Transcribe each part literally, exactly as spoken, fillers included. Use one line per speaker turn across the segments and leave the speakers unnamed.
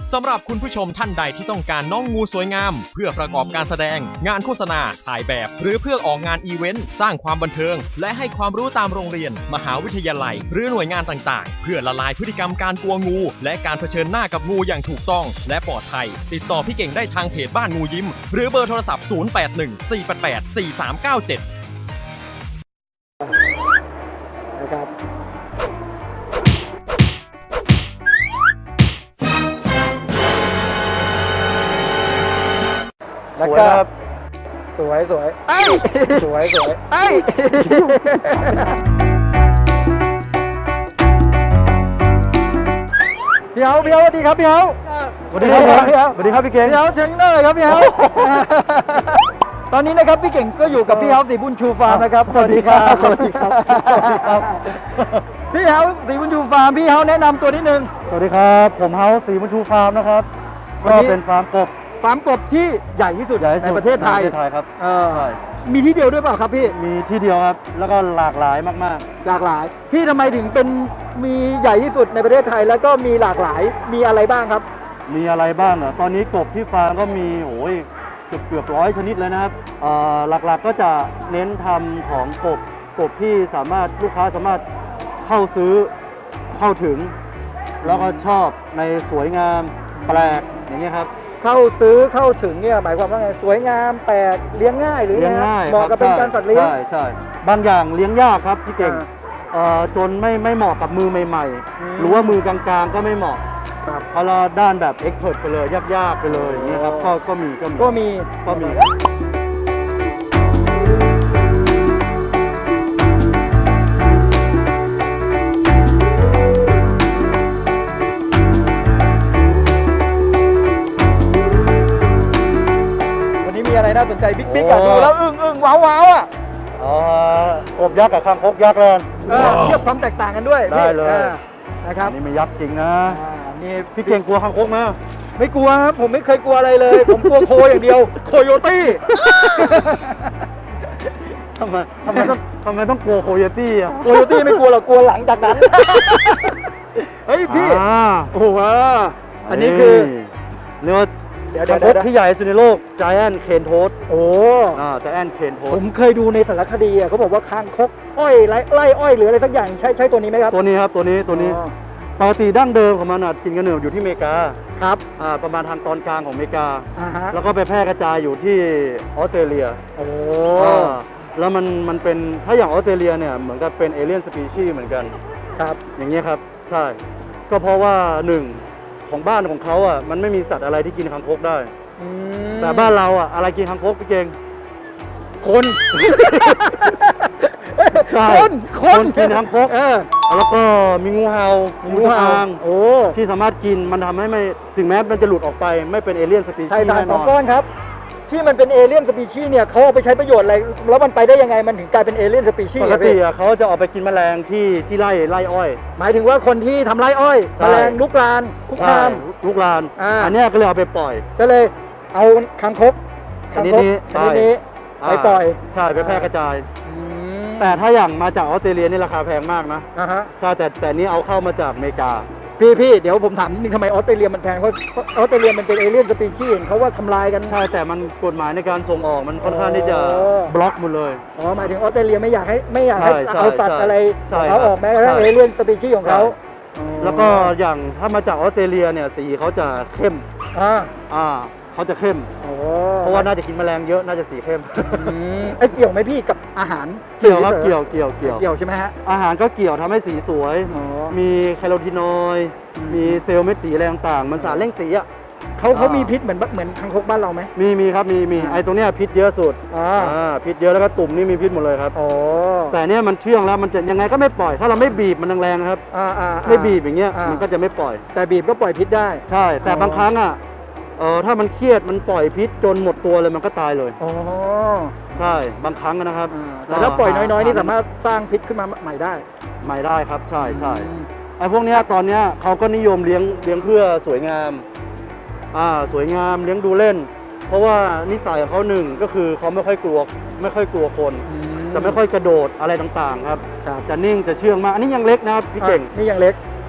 สำหรับคุณผู้ชมท่านใดที่ต้องการน้องงูสวยงามเพื่อประกอบการแสดงงานโฆษณาถ่ายแบบหรือเพื่อออกงานอีเวนต์สร้างความบันเทิงและให้ความรู้ตามโรงเรียนมหาวิทยาลัยหรือหน่วยงานต่างๆเพื่อละลายพฤติกรรมการกลัวงูและการเผชิญหน้ากับงูอย่างถูกต้องและปลอดภัยติดต่อพี่เก่งได้ทางเพจบ้านงูยิ้มหรือเบอร์โทรศัพท์ศูนย์ แปด หนึ่ง สี่ แปด แปด สี่ สาม เก้า เจ็ด
นะครับแล้วก็สวยสวยไอ้สวยสวยไอ้พี่เฮาพี่เฮาสวัสดีครับพี่เฮาสวัสดีครับพี่เฮาสวัสดีครับพี่เก่งพี่เฮาเชิญหน้าเลยครับพี่เฮาตอนนี้นะครับพี่เก่งก็อยู่กับพี่เฮาสีบุญชูฟาร์มนะครับสวัสดีครับสวัสดีครับสวัสดีครับพี่เฮาสีบุญชูฟาร์มพี่เฮาแนะนำตัวนิดนึง
สวัสดีครับผมเฮาสีบุญชูฟาร์มนะครับก็เป็นฟาร์มกบ
ฟาร์มกบที่ใหญ่ที่สุดในประเทศไทย
ในประเทศไทยครับ
เออมีที่เดียวด้วยเปล่าครับพี่
มีที่เดียวครับแล้วก็หลากหลายมาก
ๆหลากหลายพี่ทำไมถึงเป็นมีใหญ่ที่สุดในประเทศไทยแล้วก็มีหลากหลายมีอะไรบ้างครับ
มีอะไรบ้างเหรอตอนนี้กบที่ฟาร์มก็มีโอ้ยเกือบเกือบร้อยชนิดเลยนะครับหลักๆก็จะเน้นทำของกบกบที่สามารถลูกค้าสามารถเข้าซื้อเข้าถึงแล้วก็ชอบในสวยงามแปลกอย่างเงี้ยครับ
เข้าซื้อเข้าถึงเนี่ยหมายความว่าไงสวยงามแปลกเลี้ยงง่ายหรือ
เลี้ยงง่าย
เหมาะกับเป็นการสัตว์เลี้ยง
ใช่ใช่บางอย่างเลี้ยงยากครับพี่เก่งจนไม่ไม่เหมาะกับมือใหม่ๆหรือว่ามือกลางๆก็ไม่เหมาะเพราะเราด้านแบบเอ็กซ์เพิร์ทไปเลยยากๆไปเลยอย่างเงี้ยครับก็ก็มีก็มี
ก็มี
ก็มี
อะไรน่าสนใจบิ๊กบิ๊กอะดูแล้วอึ้งอึ้งว้าวว้าวอ่ะ
อ๋อกบยักษ์กับคางคกยักษ์เลย
เทียบความแตกต่างกันด้วย
ได้เลย
นะครับ
นี่ไม่ยักษ์จริงนะนี่พี่เก่งกลัวคางคกไหม
ไม่กลัวครับผมไม่เคยกลัวอะไรเลยผมกลัวโคอย่างเดียวโคโยตี้
ทำไมทำไมต้องทำไมต้องกลัวโคโยตี้อ่ะ
โคโยตี้ไม่กลัวหรอกกลัวหลังจากนั้นเฮ้ยพี่โอ้โหอันนี้คือ
เรียกว่าคางคกที่ใหญ่สุดในโลก Giant Cane Toad
โอ้
อ่า Giant Cane Toad
ผมเคยดูในสารคดีอ่ะเขาบอกว่าคางคกอ้อยไร่ไร่อ้อยหรืออะไรสักอย่างใช่ใช่ตัวนี้ไหมครับ
ตัวนี้ครับตัวนี้ตัวนี้ปกติดั้งเดิมของมันกินกำเนิดอยู่ที่อเมริกา
ครับ
อ่าประมาณทางตอนกลางของอเมริกา
อ่าฮะ
แล้วก็ไปแพร่กระจายอยู่ที่ออสเตรเลีย
โอ้
แล้วมันมันเป็นถ้าอย่างออสเตรเลียเนี่ยเหมือนกับเป็นเอเลี่ยนสปีชีส์เหมือนกัน
ครับ
อย่างเงี้ยครับใช่ก็เพราะว่าหนึ่งของบ้านของเขาอ่ะมันไม่มีสัตว์อะไรที่กินคางคกได้แต่บ้านเราอ่ะอะไรกินคางคกพี่เก่ง
คน
ใช่
คนคน
กินคางคกเออแล้วก็มีงูเห่างูจงอาง
โอ้
ที่สามารถกินมันทำให้ไม่ถึงแม้มันจะหลุดออกไปไม่เป็นเอเลี่ยนสปีชีส์แน่นอน
ก้อนครับที่มันเป็นเอเลี่ยนสปีชีส์เนี่ยเขาเอาไปใช้ประโยชน์อะไรแล้วมันไปได้ยังไงมันถึงกลายเป็นเอเลี่ยนสปีชีส์
ปกติเขาจะเอาไปกินแมลงที่ที่ไร่ไร่อ้อย
หมายถึงว่าคนที่ทำไร่อ้อยแมลงลุกลานคุกคาม
ลุกลานอันนี้ก็เลยเอาไปปล่อย
ก็เลยเอาคางคก
ชนิดนี้
ชนิดนี้ไปปล่อย
ใช่ไปแพร่กระจายแต่ถ้าอย่างมาจากออสเตรเลียนี่ราคาแพงมากนะใช่แต่แต่นี้เอาเข้ามาจากอเมริกา
พี่พี่เดี๋ยวผมถามนิดนึงทำไมออสเตรเลียมันแพงเพราะออสเตรเลียมันเป็นเอเลี่ยนสปีชีส์เขาว่าทำลายกัน
ใช่แต่มันกฎหมายในการส่งออกมันค่อนข้างที่จะบล็อกหมดเลย
อ๋อหมายถึงออสเตรเลียไม่อยากให้ไม่อยากให้เอาสัตว์อะไรเขาออกแม้กระทั่งเอเลี่ยนสปีชีส์ของเขา
แล้วก็อย่างถ้ามาจากออสเตรเลียเนี่ยสีเขาจะเข้ม
อ่า
อ่าเขาจะเข้มเพราะว่าน่าจะกินแมลงเยอะน่าจะสีเข้ม
ไอ้เกี่ยวไหมพี่กับอาหาร
เกี่ยวครับเกี่ยวเกี่ยวเกี่ยว
เกี่ยวใช่ไหมฮะ
อาหารก็เกี่ยวทำให้สีสวยมีแคโรทีนอยด์มีเซลล์เม็ดสีอะไรต่างๆมันสารเร่งสีอ่ะ
เขาเขามีพิษเหมือนเหมือนคางคกบ้านเราไหม
มีมีครับมีมีไอ้ตรงเนี้ยพิษเยอะสุด
อ่
าพิษเยอะแล้วก็ตุ่มนี่มีพิษหมดเลยครับ
อ๋อ
แต่เนี้ยมันเชื่องแล้วมันจะยังไงก็ไม่ปล่อยถ้าเราไม่บีบมันแรงๆครับ
อ่าอ่า
ไม่บีบอย่างเงี้ยมันก็จะไม่ปล่อย
แต่บีบก็ปล่อยพิษได้
ใช่แต่บางครั้งอ่ะเออถ้ามันเครียดมันปล่อยพิษจนหมดตัวเลยมันก็ตายเลย
อ๋อ
ใช่บางครั้งนะครับ
แต่ถ้าปล่อยน้อยๆนี่สามารถสร้างพิษขึ้นมาใหม่ได้
ใหม่ได้ครับใช่ใช่ไอ้พวกเนี้ยตอนเนี้ยเขาก็นิยมเลี้ยงเลี้ยงเพื่อสวยงามอ่าสวยงามเลี้ยงดูเล่นเพราะว่านิสัยของเขาหนึ่งก็คือเขาไม่ค่อยกลัวไม่ค่อยกลัวคนจะไม่ค่อยกระโดดอะไรต่างๆครับจะนิ่งจะเชื่องมากอันนี้ยังเล็กนะครับพี่เก่ง
นี่ยังเล็ก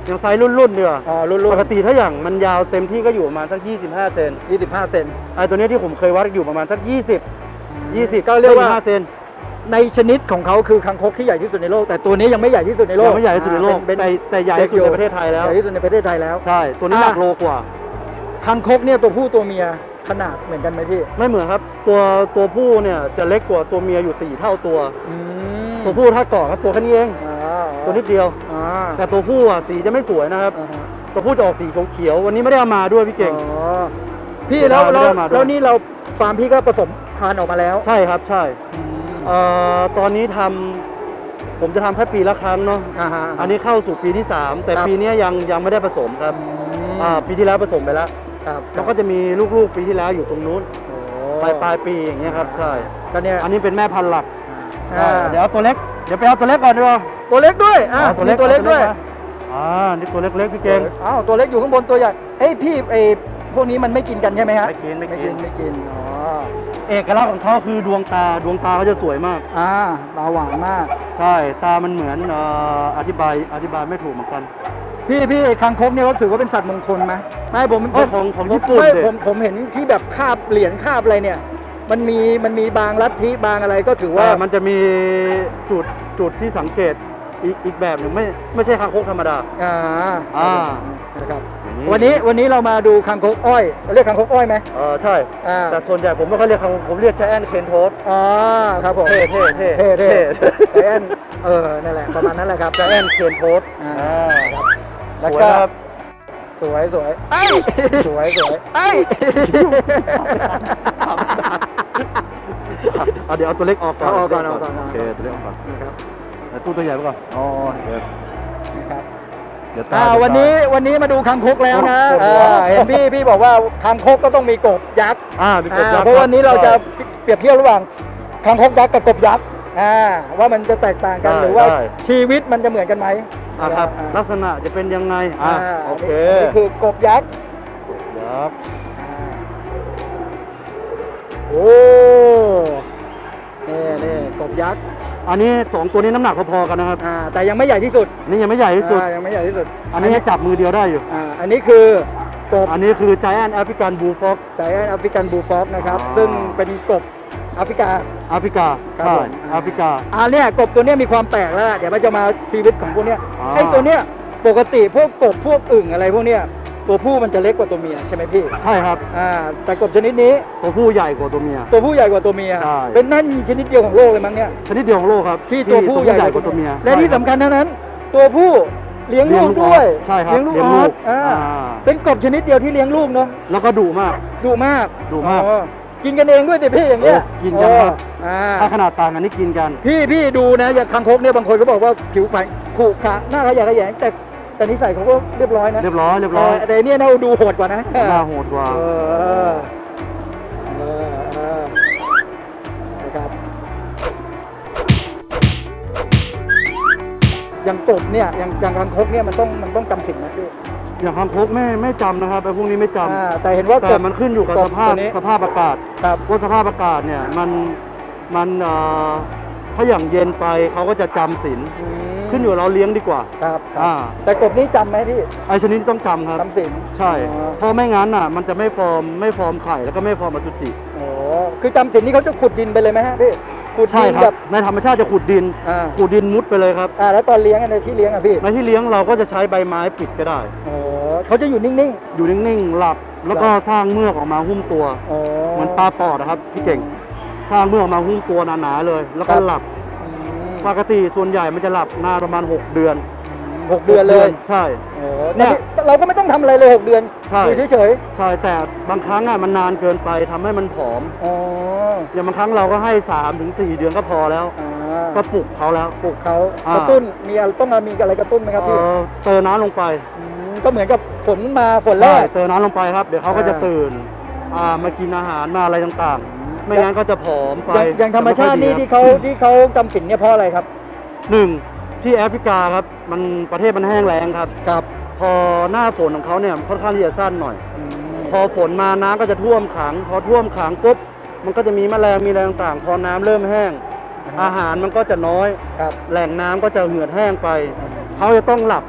อย่างไซส์รุ่นๆเดียว
อ๋อรุ่น
ปกติถ้าอย่างมันยาวเต็มที่ก็อยู่ประมาณสักยี่สิบห้าเซน
ยี่สิบห้าเซน
ไอ้ตัวเนี้ยที่ผมเคยวัดอยู่ประมาณสักยี่สิบ ยี่สิบ
ก็เรียกว่า
ห้าเซน
ในชนิดของเขาคือคางคกที่ใหญ่ที่สุดในโลกแต่ตัวนี้ยังไม่ใหญ่ที่สุดในโล
ยั
ก
งไม่ใหญ่ที่สุดในโลก
เป็น
แต่แต่ใหญ่ที่สุดในประเทศไทยแล้ว
ใหญ่ที่สุดในประเทศไทยแล้ว
ใช่ตัวนี้หนักโลกว่า
คางคกเนี่ยตัวผู้ตัวเมียขนาดเหมือนกันไหมพี่
ไม่เหมือนครับตัวตัวผู้เนี่ยจะเล็กกว่าตัวเมียอยู่สี่เท่าตัว
อืม
ตัวผู้ถ้าเกาะก็ตัวแค่นี้เอง
อ๋อ
ตัวนิดเดียว
อ๋อ
แต่ตัวผู้อ่ะสีจะไม่สวยนะครับ
อ่าฮะ
ตัวผู้จะออกสีเขียวๆวันนี้ไม่ได้เอามาด้วยพี่เก่ง
อ๋อพี่แล้ว
ไม่
แล้ว
ได้มาด้วย
แล้วนี่เราฟาร์มพี่ก็ผสมพันธุ์ออกมาแล้ว
ใช่ครับใช่
อืม
เอ่อตอนนี้ทำผมจะทำแค่ปีละครั้งเนาะ
อ่าฮะ
อันนี้เข้าสู่ปีที่สามแต่
ครับ
ปีนี้ยังยังไม่ได้ผสมครับ
อืม
อ่าปีที่แล้วผสมไปแล้ว
ครับ
แล้วก็จะมีลูกๆปีที่แล้วอยู่ตรงนู้น
โอ้
ปลายปลายปีอย่างเงี้ยครับใช่
ก็เนี่ย
อันนี้เป็นแม่พันธุ์หลัก
อ่า
เดี๋ยวเอาตัวเล็กเดี๋ยวไปเอาตัวเล็กก่อนดีกว่า
ตัวเล็กด้วยอ่ะ
อา
มีตัวเล็กด้วย
มาอ่านี่ตัวเล็กๆพี่เก่ง
อ้าวตัวเล็กอยู่ข้างบนตัวใหญ่เอ้ยพี่ไอ้พวกนี้มันไม่กินกันใช่ไหมฮะ
ไม่กินไม่
ไม่
กิ
กิ
น
นไม่กินอ๋อ
เอกลักษณ์ของเขาคือดวงตาดวงตาเขาจะสวยมาก
อ่าตาหวานมาก
ใช่ตามันเหมือนเอ่ออธิบายอธิบายไม่ถูกเหมือนกัน
พี่พี่คางคกเนี่ยเขาถือว่าเป็นสัตว์มงคลไหมไม่ผม
เอ้ยของของญี่ปุ่น
ไม่
ดิ
ผมผมเห็นที่แบบคาบเหรียญคาบอะไรเนี่ย มันมีมันมีบางลัทธิบางอะไรก็ถือว่า
ว่ามันจะมีจุดจุดที่สังเกตอีกอีกแบบหนึ่งไม่ไม่ใช่คางคกธรรมดา
อ่า
อ่า
นะครับ
อย่าง
วันนี้วันนี้เรามาดูคางคกอ้อยเรียกคางคกอ้อยไหม
เออใช่
อ่า
แต่ส่วนใหญ่ผมไม่ค่อยเรียกคางคกผมเรียกแจแอนเคนโทส
อ๋อครับผม
เท่เท่เท่
เท่เท่
เท่
ไอแอนเออนั่นแหละประมาณนั้นแหละครับ
แจแอนเคนโทส
อ่า
อ่า
แล้ว
สวย
ก็
นะครับ
สวยสวยไอ้ยสวยสวยไอ้ย
เอาเดี๋ยวเอาตัวเล็กออกก่อน
เอาออกก่อนเอาก่อน
โอเคตัวเล็กออกก่อน
นะครับ
เดี๋ยวตู้ตัวใหญ่ไปก่อนอ๋อเดี๋ยว
นะครับ
เดี๋ยวตา
อ่า
เดี๋ย
วันนี้วันนี้มาดูคางคกแล้วนะ
โอ้โห
อ่าเห็นพี่พี่บอกว่าคางคกก็ต้องมีกบยักษ์
อ่ามีกบยัก
อ่า
ษ์
เพราะวันนี้เราจะ
ใช่
เปรียบเทียบระหว่างคางคกยักษ์กับกบยักษ์อ่าว่ามันจะแตกต่างกัน
ได้
หรือว่า
ได้
ชีวิตมันจะเหมือนกันไหม
อ่าครับ
อ่า
ลักษณะจะเป็นยังไงอ่าโอเค
นี่คือกบยักษ์
ยักษ์
โอ้นี่นี่กบยักษ์
อันนี้สองตัวนี้น้ำหนักพอๆกันนะครับ
อ่าแต่ยังไม่ใหญ่ที่สุด
อันนี้ยังไม่ใหญ่ที่สุด
อ่ายังไม่ใหญ่ที่สุด
อันนี้ให้จับมือเดียวได้อยู่
อ่าอันนี้คือกบ
อันนี้คือ Giant African Blue Fox
ไจแอนแอฟริกันบูฟอกนะครับ
อ๋อ
ซึ่งเป็นกบแอฟริกา
แอฟริกา
ครับ
ใช่
ผม
แอฟริกา
อ่าเนี่ยกบตัวเนี้ยมีความแปลกแล้วล่ะเดี๋ยวมันจะมาชีวิตของพวกเนี้ย
อ่า
ไอ้ตัวเนี้ยปกติพวกกบพวกอึ่งอะไรพวกเนี้ยตัวผู้มันจะเล็กกว่าตัวเมียใช่ไหมพี่
ใช่ครับ
อ่าแต่กบชนิดนี้
ตัวผู้ใหญ่กว่าตัวเมีย
ตัวผู้ใหญ่กว่าตัวเมีย
ใช่
เป็นนั่นมีชนิดเดียวของโลกเลยมั้งเนี่ย
ชนิดเดียวของโลกครับ
ที่ตัวผู้ใหญ่
กว่าตัวเมีย
และที่
ใช่
สำคัญเท่านั้น ตัวผู้เลี้ยงลูกด้วย
ใช่ครับ
เลี้ยงลูก
เลี้
อย
งลู
อก สอ่า
อ่า
เป็นกบชนิดเดียวที่เลี้ยงลูกเนาะ
แล้วก็ดุมาก
ดุมาก
ดุมาก
อ๋อกินกันเองด้วยดิพี่อย่างเงี้ย
โอ้กินกันครับ
อ่า
ถ้าขนาดต่างกันนี่กินกัน
พี่พี่ดูนะอย่างคางคกเนี่ยบางคนก็บอกว่าผิวพรรณขรุขระหน้าขยะแขยงแต่แต่นิสัยเขาก็เรียบร้อยนะ
เรียบร้อยเรียบร้อย
เแต่เนี่ยน่าดูโหดกว่านะ
หน้าโหดกว่า
เออเออเออนะครับอย่างกบเนี่ยอย่างอย่างคางคกเนี่ยมันต้องมันต้องจำสิ่งนะพี่
อย่างคางคกไม่ไม่จำนะครับไอ้พวกนี้ไม่จำ
อ่าแต่เห็นว่าก
แต่
บ
มันขึ้นอยู่กับ
ก
ส
บ
ภาพ
ตัวนี้
สภาพอากาศ
ครับ
ว่าสภาพอากาศเนี่ยมันมันเอ่อถ้าอย่างเย็นไปเขาก็จะจำศีล
อืม
ขึ้นอยู่เราเลี้ยงดีกว่า
ครับครับ
อ่า
แต่กบนี่จำไหมพี่
ไอชนิดนี้ต้องจำครับ
จำสิ่ง
ใช่
อ๋อ
เพราะไม่งั้นอ่ะมันจะไม่ฟอร์มไม่ฟอร์มไข่แล้วก็ไม่ฟอร์มอสุจิ
โอ้คือจำสิ่งนี่เขาจะขุดดินไปเลยไหมฮะพี่ขุด
ใช่
ดิน
ครั
แบบ บ
ในธรรมชาติจะขุดดิน
อ่า
ขุดดินมุดไปเลยครับ
อ่าแล้วตอนเลี้ยงอะในที่เลี้ยงอะพี่
ในที่เลี้ยงเราก็จะใช้ใบไม้ปิดก็ได้
โอ้เขาจะอยู่นิ่ง
อยู่นิ่งๆหลับแล้วก็สร้างเมือกออกมาหุ้มตัว
ๆโอ้
เหมือนปลาปอดนะครับพี่เก่ง สร้างเมือกออกมาหุ้มตัวหนาๆเลย แล้วก็หลับ
อืม
ปกติส่วนใหญ่มันจะหลับนานประมาณหกเดือน
หกเดือนเลย
ใช่
โอ้
เนี่
เนี่ย ยเราก็ไม่ต้องทำอะไรเลยหกเดือน
ใช่
อยู่เฉย
ใช่แต่บางครั้งอ่ะมันนานเกินไปทำให้มันผอม
ๆอ๋อ
อย่างบางครั้งเราก็ให้สามถึงสี่เดือนก็พอแล้ว
อ่า
ก็ปลุกเขาแล้ว
ปลูกเขา
อ่า
กระตุ้นมีอะไรต้องมีอะไรกระตุ้นไหมครับพี่
เอ่อเติมน้ำลงไป
มก็เหมือนกับฝนมาฝนแร
ใช่
ก
เติมน้ำลงไปครับ เดี๋ยวเขาก็จะ
อ่า
ตื่นอ่ามากินอาหารมาอะไรต่างๆ ไม่งั้นก็จะผอมไป
อย่างอย่างธรรมชาตินี่ที่เขาที่เขาจำสินเนี่ยเพราะอะไรครับ
หนึ่งที่แอฟริกาครับมันประเทศมันแห้งแล้งครับ
ครับ
พอหน้าฝนของเขาเนี่ยค่อนข้างที่จะสั้นหน่อย
อืม
พอฝนมาน้ำก็จะท่วมขัง พอท่วมขังปุ๊บมันก็จะมีแมลงมีอะไรต่างๆ พอน้ำเริ่มแห้ง อาหารมันก็จะน้อย
ครับ
แหล่งน้ำก็จะเหือดแห้งไป เขาจะต้องหลับ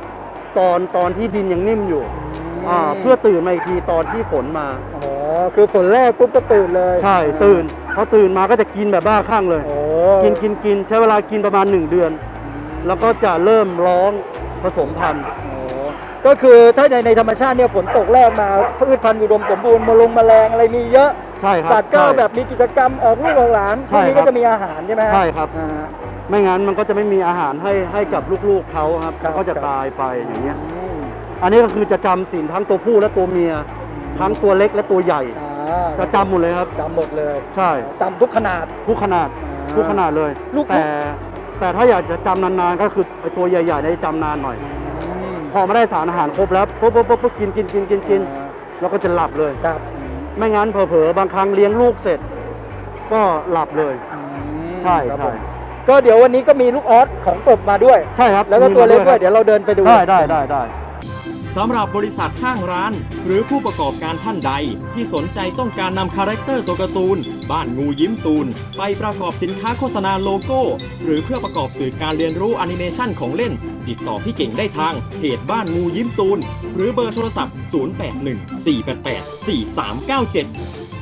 ตอนตอนที่ดินยังนิ่มอยู่อ่าเพื่อตื่นมาอีกทีตอนที่ฝนมา
อ๋อคือฝนแรกปุ๊บก็ตื่นเลย
ใช่ตื่นพอตื่นมาก็จะกินแบบบ้าคลั่งเลย
โอ้
กินกินกินใช้เวลากินประมาณหนึ่งเดือน แล้วก็จะเริ่มร้องผสมพันธุ์
โอ้ก็คือถ้าในในธรรมชาติเนี่ยฝนตกแรกมาพืชพันธุ์อุดมสมบูรณ์มาลงแมลงอะไรมีเยอะ
ใช่ครับ
สัตว์ก็
ใช่
แบบมีกิจกรรมออกลูกออกหลานพ
ใช่
วกนี้
ครั
ก็
บ
จะมีอาหารใช่ไหมฮะ
ใช่ครับ
อ่า
ไม่งั้นมันก็จะไม่มีอาหารให้ให้กับลูกๆเขาครับ
ครับ
ก็จะ
ครับ
ตายไปอย่างเงี้ย
อืม
อันนี้ก็คือจะจำสินทั้งตัวผู้และตัวเมีย ทั้งตัวเล็กและตัวใหญ่
อ่า
จะจำหมดเลยครับ
จำหมดเลย
ใช่
จำทุกขนาด
ทุกขนาด
อ่า
ทุกขนาดเลย
ลูก
แต่แต่ถ้าอยากจะจำนานๆก็คือไอ้ตัวใหญ่ๆเนี่ยจำนานหน่อย
อืม
พอมาได้สารอาหารครบแล้วปุ๊บปุ๊บปุ๊บปุ๊บกินกินกินกินกิน
อ่า
แล้วก็จะหลับเลย
ครับ
ไม่งั้นเผลอๆบางครั้งเลี้ยงลูกเสร็จ ก็หลับเลย
อืม
ใช่
ครับ
ใช่
ผมก็เดี๋ยววันนี้ก็มีลูกออสของกบมาด้วย
ใช่ครับ
แล้วก็ตัวเล็ก
มี
ด้ว
มาย
เดี๋ยวเราเดินไปดู
ได้ได้ได้ได้
สำหรับบริษัทห้างร้าน หรือผู้ประกอบการท่านใด ที่สนใจต้องการนำคาแรคเตอร์ตัวการ์ตูน บ้านงูยิ้มตูน ไปประกอบสินค้าโฆษณาโลโก้ หรือเพื่อประกอบสื่อการเรียนรู้แอนิเมชันของเล่น ติดต่อพี่เก่งได้ทางเพจบ้านงูยิ้มตูน หรือเบอร์โทรศัพท์ ศูนย์ แปด หนึ่ง สี่ แปด แปด สี่ สาม เก้า เจ็ด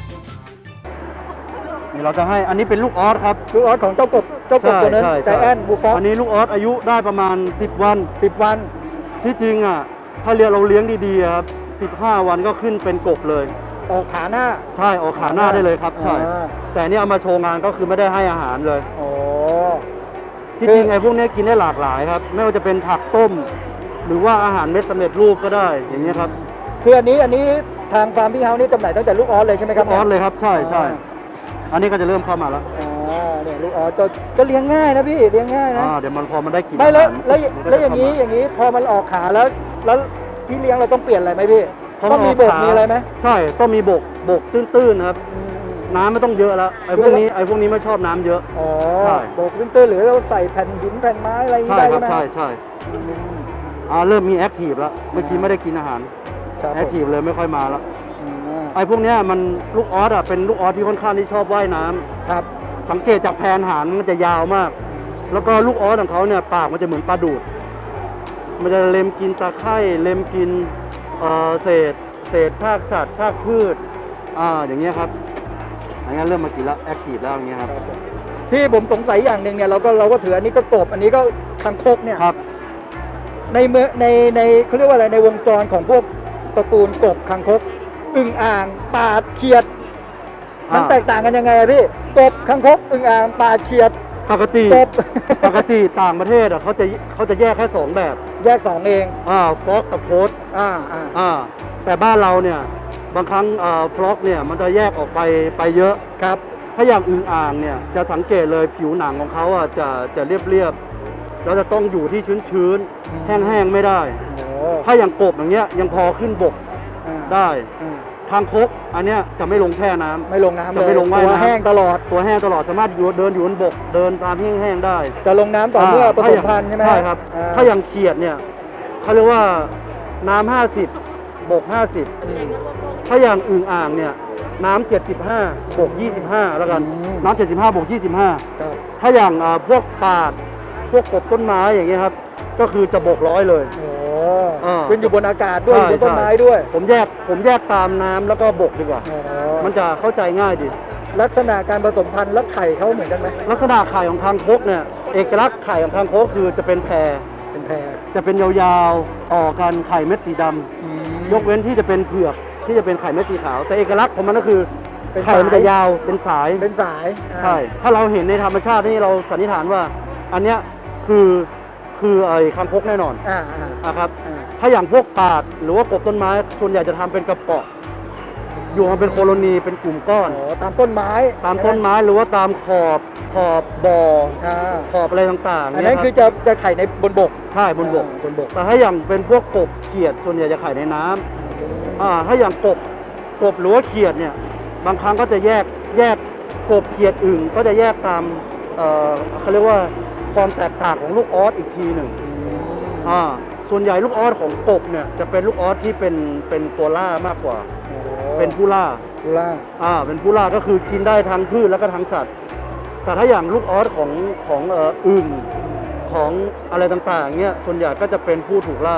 นี่เราจะให้อันนี้เป็นลูกออสครับ
ลูกออสของเจ้ากบเจ้ากบตัวนั้นใจแอนบูฟอส
อันนี้ลูกออสอายุได้ประมาณสิบวัน
สิบวัน
ที่จริงอ่ะถ้าเรียนเราเลี้ยงดีๆครับสิบห้าวันก็ขึ้นเป็นกบเลย
ออกขาหน้า
ใช่ออกขาหน้าได้เลยครับใช่
อ่า
แต่นี่เอามาโชว์งานก็คือไม่ได้ให้อาหารเลย
โอ้
ที่
คือ
จริงไอ้พวกนี้กินได้หลากหลายครับ ไม่ว่าจะเป็นผักต้ม หรือว่าอาหารเม็ดสำเร็จรูปก็ได้อย่างนี้ยครับ
คืออันนี้อันนี้ทางฟาร์มพี่เฮานี่จำหน่ายตั้งแต่ลูกออสเลยใช่ไหมค
ลู
รับ
กออสเลยครับใช่ใช่
อ่า
อันนี้ก็จะเริ่มเข้ามาแล้ว
อ่าเนี่ยลูกออสก็ก็เลี้ยงง่ายนะพี่เลี้ยงง่ายนะ
อ่าเดี๋ยวมันพอมันได้กิน
ไม่แล้ว
อาหาร
แล้ว
มันก็
แล้ว
จะ
อย่างนี้
เข้ม
อย่างนี้พอมันออกขาแล้ว แล้วที่เลี้ยงเราต้องเปลี่ยนอะไรไหมพี่
พอ
ต้องมี
น
บ
อก ขา
มีอะไรไหม
ใช่ต้องมีบกบกตื้นๆนะครับ
อืม
น้ำไม่ต้องเยอะแล้วไอ้พวกนี้ไอ้พวกนี้ไม่ชอบน้ำเยอะ
อ๋อ
ใช่
โบกตื้นๆหรือเราใส่แผ่นหินแผ่นไม้อะไรอย่าง
ใช่
นี้ได้
ครั
ใช่
บ
ไหม
ใช่ใช่
อืม
อ่าเริ่มมีแอคทีฟแล้วเมื่อกี้ไม่ได้กินอาหาร
ครับ
แอคทีฟเลยไม่ค่อยมาแล้ว
อืม
ไอ้พวกเนี้ยมันลูกออสอ่ะเป็นลูกออสที่ค่อนข้างที่ชอบว่ายน้ำ
ครับ
สังเกตจากแผนหางมันจะยาวมาก แล้วก็ลูกออสของเขาเนี่ยปากมันจะเหมือนปลาดูด มันจะเล็มกินตะไคร่เล็มกินเอ่อเศษเศษซากสัตว์ซากพืชอ่าอย่างเงี้ยครับอย่างเงี้ยเริ่มมากินแล้วแอคทีฟแล้วอย่างเงี้ยครับ
ที่ผมสงสัยอย่างหนึ่งเนี่ยเราก็เราก็ถืออันนี้ก็กบอันนี้ก็คางคกเนี่ย
ครับ
ในเมื่อในในเขาเรียกว่าอะไรในวงจรของพวกตระกูลกบคางคกอึ่งอ่างปลาเขียด มัน
อ่า
แตกต่างกันยังไงอะพี่กบคางคกอึ่งอ่างปลาเขียด
ปกติ
กบ
ปกติต่างประเทศอ่ะเขาจะเขาจะแยกแค่สองแบบ
แยกสองเอง
อ่าฟอกกับโพส
อ่าอ่า
อ่าแต่บ้านเราเนี่ยบางครั้งอ่าฟลอกเนี่ยมันจะแยกออกไปไปเยอะ
ครับ
ถ้าอย่างอึ่งอ่างเนี่ยจะสังเกตเลยผิวหนังของเขาอ่ะจะจะเรียบเรียบๆแล้วจะต้องอยู่ที่ชื้นชื้นๆแห้งๆไม่ได้
โอ้
ถ้าอย่างกบอย่างเงี้ยยังพอขึ้นบก
อ่า
ได้
อ่า
คางคกอันเนี้ยจะไม่ลงแช่น้ำ
ไม่ลงน้ำเล
จะ
ย
ไม่ลงว่าย
ตัว
น้ำ
แห้งตลอด
ตัวแห้งตลอดสามารถอยู่เดินอยู่บนบก เดินตามแห้งๆได้
จะลงน้ำต่อเมื่อผสมพันธุ์ใช่ไหม
ใช่ครับ
อ่
ถ้าอย่างเขียดเนี่ยเขาเรียกว่าน้ำห้าสิบ บกห้าสิบ
อืม
ถ้าอย่างอึ่งอ่างเนี่ยน้ำเจ็ดสิบห้า บกยี่สิบห้าแล้วกัน
อืม
น้ำเจ็ดสิบห้า บกยี่สิบห้า
ครับ
ถ้าอย่างอ่าพวกปาดพวกกบต้นไม้อย่างเงี้ยครับ ก็คือจะบกร้อยเลย
โอ้
อ่า
ขึ้นอยู่บนอากาศด้วยอ
ใช่
ยู่บนต้นไม้
ใช่
ด้วย
ผมแยกผมแยกตามน้ำแล้วก็บกดีกว่า
อ๋อ
มันจะเข้าใจง่ายดี
ลักษณะการผสมพันธุ์และไข่เขาเหมือนกันไหม
ลักษณะไข่ของคางคกเนี่ยเอกลักษณ์ไข่ของคางคกคือจะเป็นแพร
เป็นแพร
จะเป็นยาวๆต่อกันไข่เม็ดสีดำยกเว้นที่จะเป็นเผือกที่จะเป็นไข่เม็ดสีขาว แต่เอกลักษณ์ของมันก็คือ
เป็น
ไข่มันจะยาวเป็นสาย
เป็นสายอ่า
ใช่ ถ้าเราเห็นในธรรมชาตินี่เราสันนิษฐานว่า อันเนี้ยคือคือไอ้คางคกแน่นอน
อ่าอ่า
นะครับ
อ่า
ถ้าอย่างพวกปาดหรือว่ากบต้นไม้ส่วนใหญ่จะทำเป็นกระเปาะอยู่มาเป็นโคโลนีเป็นกลุ่มก้อน
อ๋อตามต้นไม้
ตามต้นไม้หรือว่าตามขอบขอบบ่อ
อ่า
ขอบอะไรต่างๆ
อัน
เย
นั้น
รับ
คือจะจะไข่ในบนบก
ใช่บนบก
อ่าบนบก
แต่ถ้าอย่างเป็นพวกกบเขียดส่วนใหญ่จะไข่ในน้ำอ่าถ้าอย่างกบกบหรือว่าเขียดเนี่ยบางครั้งก็จะแยกแยกกบเขียดอึ่งก็จะแยกตามเอ่อเขาเรียกว่าความแตกต่างของลูกออสอีกทีหนึ่งอ่าส่วนใหญ่ลูกออสของกบเนี่ยจะเป็นลูกออสที่เป็นเป็นตัวล่ามากกว่า
โอ้
เป็นผู้ล่า
ตุลา
อ่าเป็นผู้ล่าก็คือกินได้ทั้งพืชแล้วก็ทั้งสัตว์ แต่ถ้าอย่างลูกออสของของเอ่ออึ่งของอะไรต่างๆเนี่ยส่วนใหญ่ก็จะเป็นผู้ถูกล่า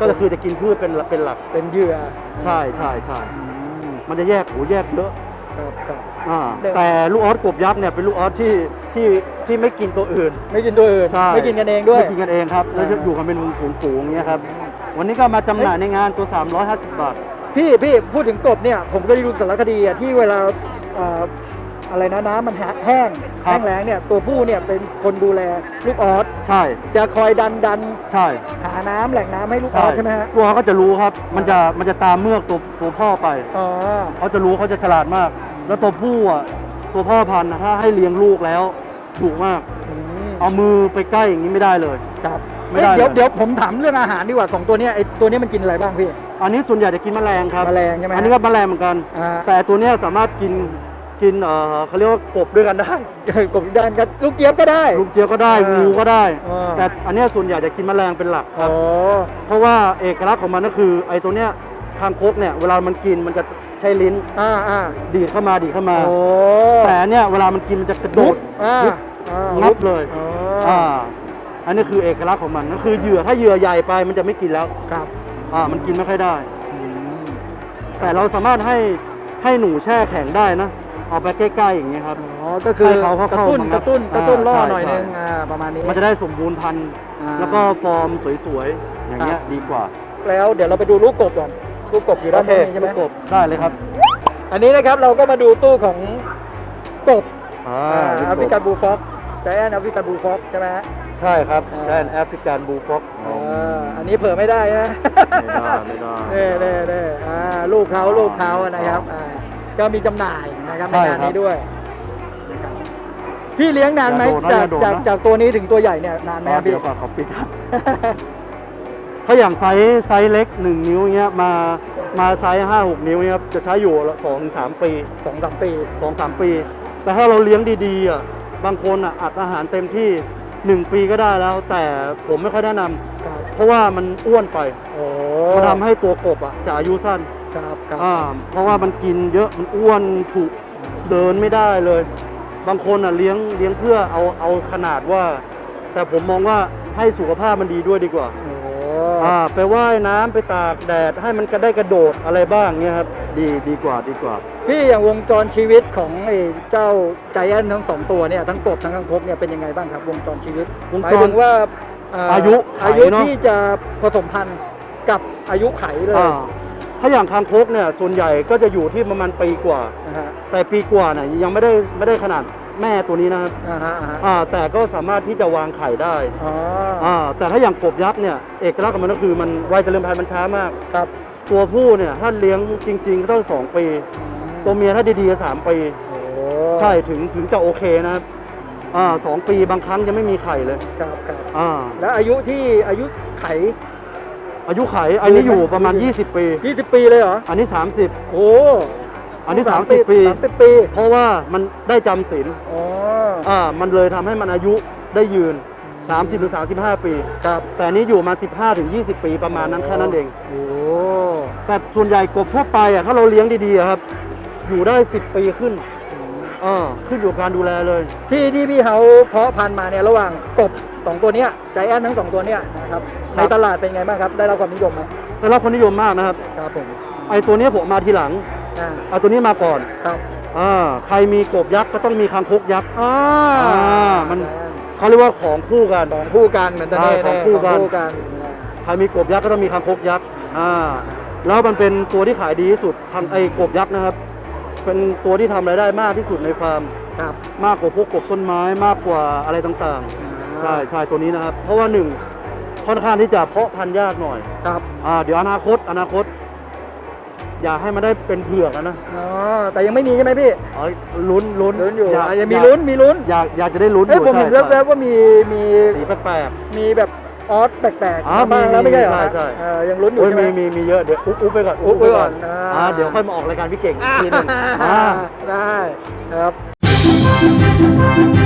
ก็คือจะกินพืชเป็นเป็นหลัก
เป็นเหยื่อ
ใช่ใช่ใช่
อืม
มันจะแยกโหแยกเยอะ
ครับครับ
อ่า
เดี๋ยว
แต่ลูกออสกบยักษ์เนี่ยเป็นลูกออสที่ที่ที่ไม่กินตัวอื่น
ไม่กินตัวอื่น
ใช่
ไม่กินกันเองด้วย
ไม่กินกันเองครับแล้วจะ
อ่า
อยู่กันเป็นฝูงๆอย่างเงี้ยครับวันนี้ก็มาจำหน่ายในงานตัว สามร้อยห้าสิบบาท
พี่พี่พูดถึงกบเนี่ยผมก็ได้ดูสารคดีอะที่เวลาเอ่ออะไรนะน้ำมันแห้ง
ครับ
แห้งแล้งเนี่ยตัวผู้เนี่ยเป็นคนดูแลลูกออส
ใช่
จะคอยดันดัน
ใช่
หาน้ำแหล่งน้ำให้ลูกออสใช่ไหมฮะ
ตัวเขาก็จะรู้ครับมันจะมันจะตามเมือกตัวตัวพ่อไป
อ๋อ
เขาจะรู้เขาจะฉลาดมาก แล้วตัวผู้อ่ะตัวพ่อพันธุ์น่ะถ้าให้เลี้ยงลูกแล้วดุมาก
อืม
เอามือไปใกล้อย่างนี้ไม่ได้เลย
ครับ
ไม่ได้
เอ้ยเดี๋ยว
เลย
เดี๋ยวผมถามเรื่องอาหารดีกว่าสองตัวเนี้ยไอตัวเนี้ยมันกินอะไรบ้างพี่
อันนี้ส่วนใหญ่จะกินแมลงครับ
แมลงใช่ไหมฮะ
อันนี้ก็แมลงเหมือนกัน
อ่า
แต่ตัวเนี้ยสามารถกินกินเอ่อเขาเรียกว่ากบด้วยกันได้
กบด้านกันลูกเจี๊ยบก็ได้
ลูกเจี๊ยบก็ได้
อ่างู
งูก็ได้
อ่า
แต่อันเนี้ยส่วนใหญ่จะกินแมลงเป็นหลักค
อ๋
รับ
อ
เพราะว่าเอกลักษณ์ของมันก็คือไอ้ตัวเนี้ยคางคกเนี่ยเวลามันกินมันจะใช้ลิ้น
อ่าอ่า
ดีดเข้ามาดีดเข้ามา
โอ้
แต่อันเนี่ยเวลามันกินมันจะกระโดด
อ่า
ปุ๊บ
อ่า
งับเลย
อ๋อ
อ่าอันนี้คือเอกลักษณ์ของมันก็คือเหยื่อถ้าเหยื่อใหญ่ไปมันจะไม่กินแล้ว
ครับ
อ่ามันกินไม่ค่อยได้
อืม
แต่เราสามารถให้ให้หนูแช่แข็งได้นะเอาไปใกล้ๆอย่างเงี้ยครับ
อ๋อก็คือ
ให้เขาเข้าก
ระตุ้น
เข้ามาก
ระตุ้น
อ่าก
ระตุ้นล่อ
ใช่
หน่อย
ใช่
นึงอ่าประมาณนี้
มันจะได้สมบูรณ์พันธุ์
อ่า
แล้วก็ฟอร์มสวยๆอย่างเงี้ยดีกว่า
แล้วเดี๋ยวเราไปดูลูกกบก่อนลูกกบอยู่ด้านนี้ใช่ไหม
ลูกกบได้เลยครับ
อันนี้นะครับเราก็มาดูตู้ของกบ
อ่า
อ่า
ลูก
แอก
บ
ฟริกันบูลฟ็อกแต่แอนแอฟริกันบูลฟ็อกใช่ไหมฮะ
ใช่ครับ
อ่า
แดนแอฟริกันบูลฟ็อก
อ่าอันนี้เผื่อไม่ได้นะ
ไม่ได้ไม่ได้
เน่เน่เน่อ่าลูกเขาลูกเขานะครับอ่าก็มีจำหน่ายนะครับใน
ใช่
งาน
ครับ
นี้ด้วยนะครับพี่เลี้ยงนานไหม
อย่า
จาก
โดดนะอย่าโดด
จาก
นะ
จากตัวนี้ถึงตัวใหญ่เนี่ยนานไหม
อ๋อ
ครับพี่
เดี๋ยวก่อนขอปิดครับ ถ้าอย่างไซส์ไซส์เล็กหนึ่งนิ้วเงี้ยมามาไซส์ห้าหกนิ้วเงี้ยครับจะใช้อยู่สองถึงสามปี
สองสามปี
สองสามปี แต่ถ้าเราเลี้ยงดีๆอ่ะบางคนอ่ะอัดอาหารเต็มที่หนึ่งปีก็ได้แล้ว แต่ผมไม่ค่อยแนะนำ
ครับ
เพราะว่ามันอ้วนไป
โอ้
มันทำให้ตัวกบอ่ะจะอายุสั้น
ครับครับ
อ่าเพราะว่ามันกินเยอะมันอ้วนถูกเดินไม่ได้เลย บางคนอ่ะเลี้ยงเลี้ยงเพื่อเอาเอาขนาดว่า แต่ผมมองว่าให้สุขภาพมันดีด้วยดีกว่า
โอ้
อ่าไปว่ายน้ำไปตากแดดให้มันก็ได้กระโดดอะไรบ้างเนี่ยครับดีดีกว่าดีกว่า
พี่อย่างวงจรชีวิตของไอ้เจ้าใจแอนทั้งสองตัวเนี่ยทั้งกบทั้งคางคกเนี่ยเป็นยังไงบ้างครับ วงจรชีวิต
วง
หมาย
จร
ถึงว่าเ
อายุไข
อายุ
เนอะ
ที่จะผสมพันธุ์กับอายุไขเลย
อ่าถ้าอย่างคางคกเนี่ยส่วนใหญ่ก็จะอยู่ที่ประมาณปีกว่า
นะฮะ
แต่ปีกว่าเนี่ยยังไม่ได้ไม่ได้ขนาดแม่ตัวนี้นะครับ
อ่าฮะอ่าฮะ
อ่าแต่ก็สามารถที่จะวางไข่ได้
อ๋อ
อ่าแต่ถ้าอย่างกบยักษ์เนี่ยเอกลักษณ์ของมันก็คือมันวัยเจริญพันธุ์มันช้ามาก
ครับ
ตัวผู้เนี่ยถ้าเลี้ยงจริงๆก็ต้องสองปี ตัวเมียถ้าดีๆก็สามปี
โอ้
ใช่ถึงถึงจะโอเคนะครับอ่าสองปีบางครั้งยังไม่มีไข่เลย
ครับครับ
อ่า
แล้วอายุที่อายุไข
อายุไขอันนี้อยู่ประมาณ ยี่สิบ ปี
ยี่สิบปีเลยเหรอ
อันนี้ สามสิบ
โอ้
อันนี้ สามสิบ ปี
สามสิบปี
เพราะว่ามันได้จำศีล
อ๋อ
อ่ามันเลยทำให้มันอายุได้ยืน สามสิบหรือสามสิบห้า ปี
ครับ
แต่อันนี้อยู่มา สิบห้าถึงยี่สิบ ปีประมาณนั้นแค่นั้นเอง
โอ้
แต่ส่วนใหญ่กบทั่วไปอ่ะถ้าเราเลี้ยงดีๆอะครับ อยู่ได้ สิบ ปีขึ้นอ่าขึ้นอยู่กับการดูแลเลย
ที่ที่พี่เขาเพาะพันธุ์มาเนี่ยระหว่างกบสองตัวเนี้ยใจแอนทั้งสองตัวเนี้ยนะครับในตลาดเป็นไงบ้างครับ ได้รับความนิยมไหม
ได้รับความนิยมมากนะครับ
ครับผม
ไอตัวเนี้ยผมมาทีหลัง
อ่า
เอาตัวนี้มาก่อน
ครับ
อ่าใครมีกบยักษ์ก็ต้องมีคางคกยักษ์
อ่า
อ่ามัน เขาเรียกว่าของคู่กัน
สองคู่กันเหมือนตะเน่
ใช่
เน่
ของคู่กัน
กัน
ใครมีกบยักษ์ก็ต้องมีคางคกยักษ์อ่าแล้วมันเป็นตัวที่ขายดีที่สุดทำไอ้กบยักษ์นะครับ เป็นตัวที่ทำรายได้มากที่สุดในฟาร์ม
ครับ
มากกว่าพวกกบต้นไม้มากกว่าอะไรต่างๆ ใช่ใช่ตัวนี้นะครับ เพราะว่าหนึ่งค่อนข้างที่จะเพาะพันธุ์ยากหน่อย
ครับ
อ่าเดี๋ยวอนาคตอนาคต อยากให้มันได้เป็นเผือกนะนะ
อ๋อแต่ยังไม่มีใช่ไหมพี่
เอ้ยลุ้นลุ้น
ลุ้นอยู่
าก
อ่ะยังมี
าก
ลุ้นมีลุ้น
อยากอยากจะได้ลุ้นอ
เอ้ย
ยู่
ผมเห็น
ใช่
แวบๆว่ามีมี
สีแปลก
มีแบบออสแปลก
อ๋อ
ๆมาบ้างแล้ว
มี
ไม่ใช่เหรอ
ใช่ใช่
เออยังลุ้น
ๆ
อยู่
โอ้ย
ใช่ไหม
มีมีมีเยอะเดี๋ยวอุ๊บอุ๊บไปก่อน
อุ๊บไว้ก่อน
อ่า
อ่า
เดี๋ยวค่อยมาออกรายการพี่เก่งอีกทีหนึง
อ่า
อ่า
ได้ครับ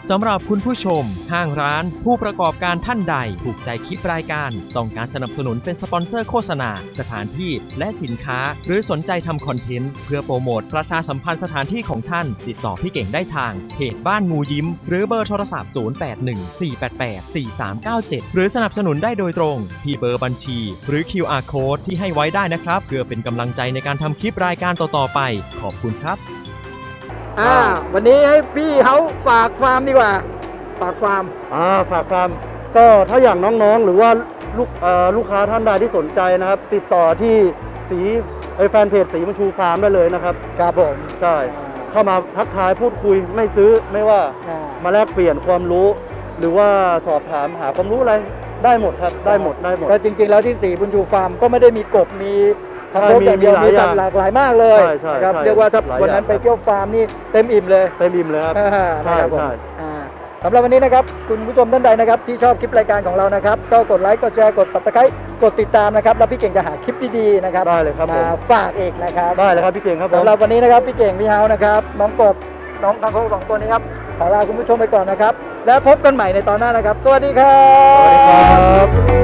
สำหรับคุณผู้ชมห้างร้านผู้ประกอบการท่านใดถูกใจคลิปรายการต้องการสนับสนุนเป็นสปอนเซอร์โฆษณาสถานที่และสินค้าหรือสนใจทำคอนเทนต์เพื่อโปรโมทประชาสัมพันธ์สถานที่ของท่านติดต่อพี่เก่งได้ทางเพจบ้านงูยิ้มหรือเบอร์โทรศัพท์ศูนย์ แปด หนึ่ง สี่ แปด แปด สี่ สาม เก้า เจ็ดหรือสนับสนุนได้โดยตรงที่เบอร์บัญชีหรือ คิว อาร์ Code ที่ให้ไว้ได้นะครับเพื่อเป็นกำลังใจในการทำคลิปรายการต่อๆไปขอบคุณครับ
อ่าวันนี้ให้พี่เขาฝากฟาร์มดีกว่าฝากฟาร์ม
อ่าฝากฟาร์มก็ถ้าอย่างน้องๆ หรือว่าลูกเอ่อลูกค้าท่านใดที่สนใจนะครับ ติดต่อที่สีไอแฟนเพจสีบุญชูฟาร์มได้เลยนะครับ
ครับผม
ใช่เข้ามาทักทายพูดคุยไม่ซื้อไม่ว่า
อ่า
มาแลกเปลี่ยนความรู้ หรือว่าสอบถามหาความรู้อะไรได้หมดครับได้หมดได้หมด
ก็จริงๆแล้วที่สีบุญชูฟาร์มก็ไม่ได้มีกบมีทำ
ใช่
โทษอย่างเดียว
มี
มี
หลาย
สัตว์หลากหลายมากเลย
ใช่ใช่
นะครับ
ใช่
เรียกว่าถ้า
หลาย
วันนั้น
อย่าง
ไปเที่ยวฟาร์มนี่เต็มอิ่มเลย
เต็มอิ่มเลยครับ
อ่า
ใช่
นะครับผม
ใช่
อ่าสำหรับวันนี้นะครับคุณผู้ชมท่านใดนะครับที่ชอบคลิปรายการของเรานะครับก็กดไลค์กดแชร์กด ซับสไครบ์ กดติดตามนะครับแล้วพี่เก่งจะหาคลิปดีๆนะครับ
ได้เลยครับผม
มาฝากเอกนะครับ
ได้เลยครับพี่เก่งครับผม
สำหรับวันนี้นะครับพี่เก่งพี่เฮานะครับน้องกบน้องทางโค้งสองตัวนี้ครับขอลาคุณผู้ชมไปก่อนนะครับแล้วพบกันใหม่ในตอนหน้านะครับ สวัสดีครับ
สวัสดีครับ